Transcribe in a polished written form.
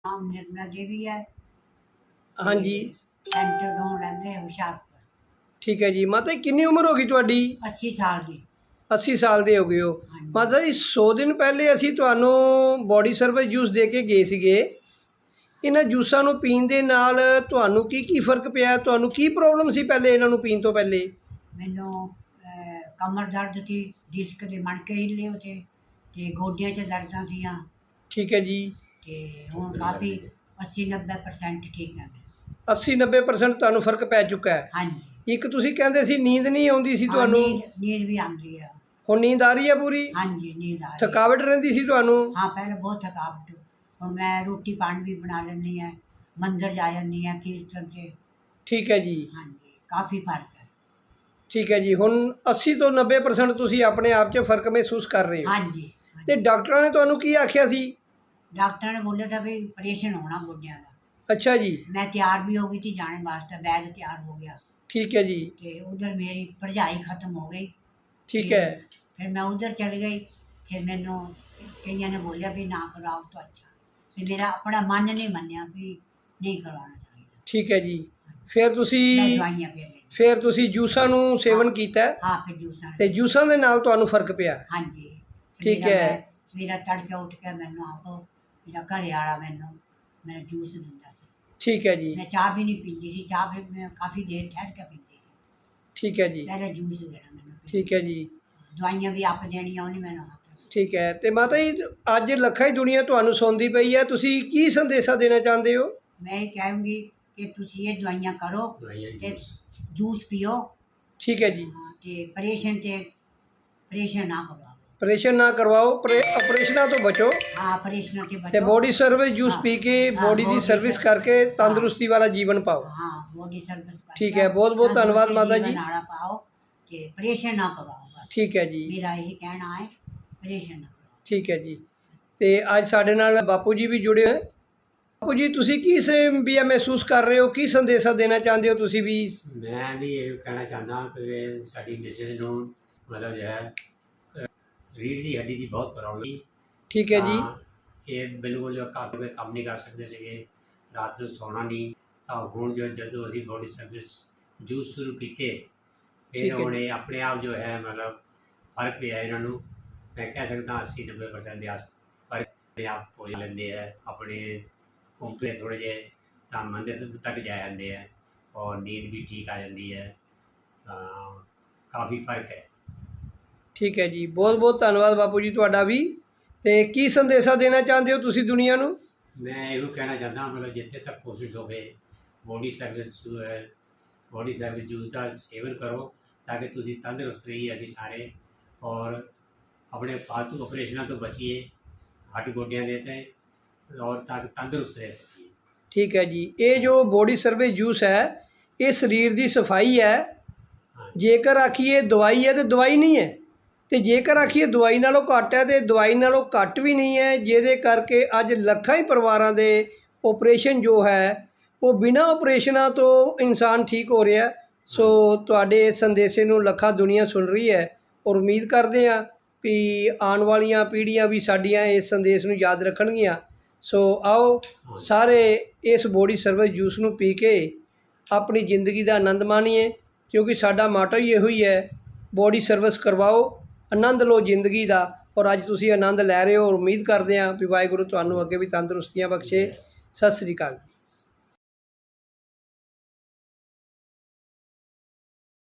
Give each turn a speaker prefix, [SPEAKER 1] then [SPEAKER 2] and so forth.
[SPEAKER 1] ਨਾਮ ਨਿਰਮਲਾ ਦੇਵੀ ਹੈ।
[SPEAKER 2] हाँ जी।
[SPEAKER 1] ਸੈਂਟਰ ਤੋਂ ਰਹਿੰਦੇ ਹੁਸ਼ਿਆਰਪੁਰ।
[SPEAKER 2] ठीक है जी। माता जी कितनी उम्र होगी ਤੁਹਾਡੀ?
[SPEAKER 1] 80 ਸਾਲ ਦੀ।
[SPEAKER 2] 80 ਸਾਲ ਦੇ ਹੋ ਗਏ ਹੋ।
[SPEAKER 1] ਹਾਂਜੀ।
[SPEAKER 2] ਮਾਤਾ ਜੀ 100 ਦਿਨ ਪਹਿਲੇ ਅਸੀਂ ਤੁਹਾਨੂੰ ਬੋਡੀ ਸਰਵਿਸ ਜੂਸ ਦੇ ਕੇ ਗਏ ਸੀਗੇ। ਇਹਨਾਂ ਜੂਸਾਂ ਨੂੰ ਪੀਣ ਦੇ ਨਾਲ ਤੁਹਾਨੂੰ ਕੀ ਫਰਕ ਪਿਆ? ਤੁਹਾਨੂੰ ਕੀ ਪ੍ਰੋਬਲਮ ਸੀ ਪਹਿਲੇ ਇਹਨਾਂ ਨੂੰ ਪੀਣ ਤੋਂ ਪਹਿਲੇ?
[SPEAKER 1] ਮੈਨੂੰ ਕਮਰ ਦਰਦ ਸੀ, ਡਿਸਕ ਦੇ ਮਣਕੇ ਹਿੱਲੇ ਹੋਤੇ ਤੇ ਗੋਡਿਆਂ 'ਚ ਦਰਦਾਂ ਸੀਆਂ
[SPEAKER 2] ਠੀਕ ਹੈ ਜੀ।
[SPEAKER 1] ਤੇ ਹੁਣ ਕਾਫੀ 80-90% ਠੀਕ ਹੈ ਮੈਂ।
[SPEAKER 2] 80-90% ਤੁਹਾਨੂੰ ਫਰਕ ਪੈ ਚੁੱਕਾ ਹੈ।
[SPEAKER 1] ਹਾਂਜੀ।
[SPEAKER 2] ਇੱਕ ਤੁਸੀਂ ਕਹਿੰਦੇ ਸੀ ਨੀਂਦ ਨਹੀਂ ਆਉਂਦੀ ਸੀ
[SPEAKER 1] ਹਾਂ,
[SPEAKER 2] ਤੁਹਾਨੂੰ,
[SPEAKER 1] ਨੀਂਦ ਵੀ ਆਉਂਦੀ ਹੈ।
[SPEAKER 2] ਹੁਣ ਨੀਂਦ ਆ ਰਹੀ ਹੈ ਪੂਰੀ?
[SPEAKER 1] ਹਾਂਜੀ, ਨੀਂਦ ਆ ਰਹੀ ਹੈ।
[SPEAKER 2] ਥਕਾਵਟ ਰਹਿੰਦੀ ਸੀ ਤੁਹਾਨੂੰ?
[SPEAKER 1] ਹਾਂ, ਪਹਿਲਾਂ ਬਹੁਤ ਥਕਾਵਟ। ਹੁਣ ਮੈਂ ਰੋਟੀ ਪਾਣੀ ਵੀ ਬਣਾ ਲੈਂਦੀ ਹਾਂ, ਮੰਦਰ ਜਾ ਜਾਂਦੀ ਹਾਂ ਕੀਰਤਨ 'ਚ।
[SPEAKER 2] ਠੀਕ ਹੈ ਜੀ।
[SPEAKER 1] ਹਾਂਜੀ, ਕਾਫੀ ਫਰਕ ਹੈ।
[SPEAKER 2] ਠੀਕ ਹੈ ਜੀ। ਹੁਣ 80 ਤੋਂ 90% ਤੁਸੀਂ ਆਪਣੇ ਆਪ 'ਚ ਫਰਕ ਮਹਿਸੂਸ ਕਰ ਰਹੇ ਹੋ।
[SPEAKER 1] ਹਾਂਜੀ।
[SPEAKER 2] ਤੇ ਡਾਕਟਰਾਂ ਨੇ ਤੁਹਾਨੂੰ ਕੀ ਆਖਿਆ ਸੀ?
[SPEAKER 1] डॉक्टर ने बोला था भाई ऑपरेशन होना गोड्या का।
[SPEAKER 2] अच्छा जी।
[SPEAKER 1] मैं तैयार भी हो गई थी जाने वास्ते, बैग तैयार हो गया।
[SPEAKER 2] ठीक है जी।
[SPEAKER 1] तो उधर मेरी पढ़ाई ख़त्म हो गई।
[SPEAKER 2] ठीक है।
[SPEAKER 1] फिर मैं उधर चल गई। फिर मैंने कईयों ने बोलिया भी ना कराओ तो अच्छा। फिर मेरा अपना मन नहीं मन्या भी नहीं करवाना चाहिए।
[SPEAKER 2] ठीक है जी। फिर तुसी
[SPEAKER 1] दवाइयां फिर ली।
[SPEAKER 2] फिर तुसी जूसां नूं सेवन कीता है?
[SPEAKER 1] हाँ, फिर जूसा
[SPEAKER 2] ते जूसां दे नाल तुहानूं फर्क पिया?
[SPEAKER 1] हाँ जी।
[SPEAKER 2] ठीक है।
[SPEAKER 1] सवेरा तड़के उठ के मैनू आप मेरा घरे वाला मैनू जूस दिंदा सी।
[SPEAKER 2] ठीक है जी।
[SPEAKER 1] मैं चाह भी नहीं पीती थी, चाह भी मैं काफ़ी देर ठहर के पीती थी।
[SPEAKER 2] ठीक है जी।
[SPEAKER 1] पहले जूस देना मैनू।
[SPEAKER 2] ठीक है जी।
[SPEAKER 1] दवाइयां भी आप देनियां उन्हें मैनू हाथ।
[SPEAKER 2] ठीक है। ते माता जी अज लखा ही दुनिया तुहानूं सुनदी पई है, तुसी की संदेशा देना चाहते हो?
[SPEAKER 1] मैं ये कहूँगी कि तुसी ये दवाइयां करो ते जूस पियो।
[SPEAKER 2] ठीक है जी।
[SPEAKER 1] ते परेशान ना करो।
[SPEAKER 2] ऑपरेशन ना करवाओ, ऑपरेशना तो बचो।
[SPEAKER 1] हाँ, ऑपरेशन के
[SPEAKER 2] ते
[SPEAKER 1] बचो।
[SPEAKER 2] बॉडी सर्विस जूस
[SPEAKER 1] हाँ,
[SPEAKER 2] पी के
[SPEAKER 1] हाँ,
[SPEAKER 2] बॉडी की
[SPEAKER 1] body
[SPEAKER 2] सर्विस
[SPEAKER 1] सर्विस।
[SPEAKER 2] करके तंदुरुस्ती वाला जीवन पाओ।
[SPEAKER 1] हाँ, बॉडी सर्विस।
[SPEAKER 2] ठीक है, बहुत बहुत धन्यवाद माता जी।
[SPEAKER 1] नाड़ा पाओ कि परेशान ना करो बस।
[SPEAKER 2] ठीक है जी।
[SPEAKER 1] मेरा यही कहना है, परेशान ना करो।
[SPEAKER 2] ठीक है जी। ਤੇ ਅੱਜ ਸਾਡੇ ਨਾਲ ਬਾਪੂ ਜੀ ਵੀ ਜੁੜੇ ਹੋਏ। ਬਾਪੂ ਜੀ ਤੁਸੀਂ ਕੀ ਵੀ ਮਹਿਸੂਸ ਕਰ ਰਹੇ ਹੋ, ਕੀ ਸੰਦੇਸ਼ਾ ਦੇਣਾ ਚਾਹੁੰਦੇ ਹੋ ਤੁਸੀਂ ਵੀ?
[SPEAKER 3] ਮੈਂ ਵੀ ਇਹ ਕਹਿਣਾ ਚਾਹੁੰਦਾ ਕਿ ਸਾਡੀ ਮਿਸਿਸ ਨੂੰ ਮਤਲਬ ਜੋ ਹੈ ਰੀੜ੍ਹ ਦੀ ਹੱਡੀ ਦੀ ਬਹੁਤ ਪ੍ਰੋਬਲਮ।
[SPEAKER 2] ਠੀਕ ਹੈ ਜੀ।
[SPEAKER 3] ਇਹ ਬਿਲਕੁਲ ਜੋ ਕੰਮ ਨਹੀਂ ਕਰ ਸਕਦੇ ਸੀਗੇ, ਰਾਤ ਨੂੰ ਸੌਣਾ ਨਹੀਂ। ਤਾਂ ਹੁਣ ਜਦੋਂ ਅਸੀਂ ਬੋਡੀ ਸਰਵਿਸ ਜੂਸ ਸ਼ੁਰੂ ਕੀਤੇ ਫਿਰ ਹੁਣ ਇਹ ਆਪਣੇ ਆਪ ਜੋ ਹੈ ਮਤਲਬ ਫਰਕ ਪਿਆ ਇਹਨਾਂ ਨੂੰ। ਮੈਂ ਕਹਿ ਸਕਦਾ 80-90% ਦੇ ਆਸ ਫਰਕ ਆਪਣੇ ਆਪ ਹੋ ਲੈਂਦੇ ਹੈ। ਆਪਣੇ ਘੁੰਮਦੇ ਥੋੜ੍ਹੇ ਜਿਹੇ ਤਾਂ ਮੰਦਿਰ ਤੱਕ ਜਾ ਜਾਂਦੇ ਹੈ ਔਰ ਨੀਂਦ ਵੀ ਠੀਕ ਆ ਜਾਂਦੀ ਹੈ। ਤਾਂ ਕਾਫੀ ਫਰਕ ਹੈ।
[SPEAKER 2] ਠੀਕ ਹੈ ਜੀ। ਬਹੁਤ ਬਹੁਤ ਧੰਨਵਾਦ ਬਾਪੂ ਜੀ ਤੁਹਾਡਾ ਵੀ। ਤੇ ਕੀ ਸੰਦੇਸ਼ਾ ਦੇਣਾ ਚਾਹੁੰਦੇ ਹੋ ਤੁਸੀਂ ਦੁਨੀਆ ਨੂੰ?
[SPEAKER 3] ਮੈਂ ਇਹੋ ਕਹਿਣਾ ਚਾਹੁੰਦਾ ਮਤਲਬ ਜਿੱਥੇ ਤੱਕ ਕੋਸ਼ਿਸ਼ ਹੋਵੇ ਬੋਡੀ ਸਰਵਿਸ ਜੋ ਹੈ ਬੋਡੀ ਸਰਵਿਸ ਜੂਸ ਦਾ ਸੇਵਨ ਕਰੋ ਤਾਂ ਕਿ ਤੁਸੀਂ ਤੰਦਰੁਸਤ ਰਹੀਏ ਅਸੀਂ ਸਾਰੇ ਔਰ ਆਪਣੇ ਫਾਲਤੂ ਆਪਰੇਸ਼ਨਾਂ ਤੋਂ ਬਚੀਏ, ਹੱਡ ਗੋਡਿਆਂ ਦੇ ਤੇ ਔਰ ਤਾਂ ਕਿ ਤੰਦਰੁਸਤ ਰਹਿ ਸਕੀਏ।
[SPEAKER 2] ਠੀਕ ਹੈ ਜੀ। ਇਹ ਜੋ ਬੋਡੀ ਸਰਵਿਸ ਜੂਸ ਹੈ ਇਹ ਸਰੀਰ ਦੀ ਸਫਾਈ ਹੈ। ਜੇਕਰ ਆਖੀਏ ਦਵਾਈ ਹੈ ਤਾਂ ਦਵਾਈ ਨਹੀਂ ਹੈ, ਤੇ ਜੇਕਰ ਆਖੀਏ ਦਵਾਈ ਨਾਲੋਂ ਘੱਟ ਹੈ ਤੇ ਦਵਾਈ ਨਾਲੋਂ ਘੱਟ ਵੀ ਨਹੀਂ ਹੈ, ਜਿਹਦੇ ਕਰਕੇ ਅੱਜ ਲੱਖਾਂ ਹੀ ਪਰਿਵਾਰਾਂ ਦੇ ਆਪਰੇਸ਼ਨ ਜੋ ਹੈ ਉਹ ਬਿਨਾਂ ਆਪਰੇਸ਼ਨਾਂ ਤੋਂ ਇਨਸਾਨ ਠੀਕ ਹੋ ਰਿਹਾ। ਸੋ ਤੁਹਾਡੇ ਇਸ ਸੰਦੇਸ਼ੇ ਨੂੰ ਲੱਖਾਂ ਦੁਨੀਆ ਸੁਣ ਰਹੀ ਹੈ ਔਰ ਉਮੀਦ ਕਰਦੇ ਹਾਂ ਵੀ ਆਉਣ ਵਾਲੀਆਂ ਪੀੜ੍ਹੀਆਂ ਵੀ ਸਾਡੀਆਂ ਇਸ ਸੰਦੇਸ਼ ਨੂੰ ਯਾਦ ਰੱਖਣਗੀਆਂ। ਸੋ ਆਓ ਸਾਰੇ ਇਸ ਬੋਡੀ ਸਰਵਿਸ ਜੂਸ ਨੂੰ ਪੀ ਕੇ ਆਪਣੀ ਜ਼ਿੰਦਗੀ ਦਾ ਆਨੰਦ ਮਾਣੀਏ, ਕਿਉਂਕਿ ਸਾਡਾ ਮਾਟੋ ਹੀ ਇਹੋ ਹੀ ਹੈ, ਬੋਡੀ ਸਰਵਿਸ ਕਰਵਾਓ, ਆਨੰਦ ਲਓ ਜ਼ਿੰਦਗੀ ਦਾ। ਔਰ ਅੱਜ ਤੁਸੀਂ ਆਨੰਦ ਲੈ ਰਹੇ ਹੋ ਔਰ ਉਮੀਦ ਕਰਦੇ ਹਾਂ ਵੀ ਵਾਹਿਗੁਰੂ ਤੁਹਾਨੂੰ ਅੱਗੇ ਵੀ ਤੰਦਰੁਸਤੀਆਂ ਬਖਸ਼ੇ। ਸਤਿ ਸ੍ਰੀ ਅਕਾਲ।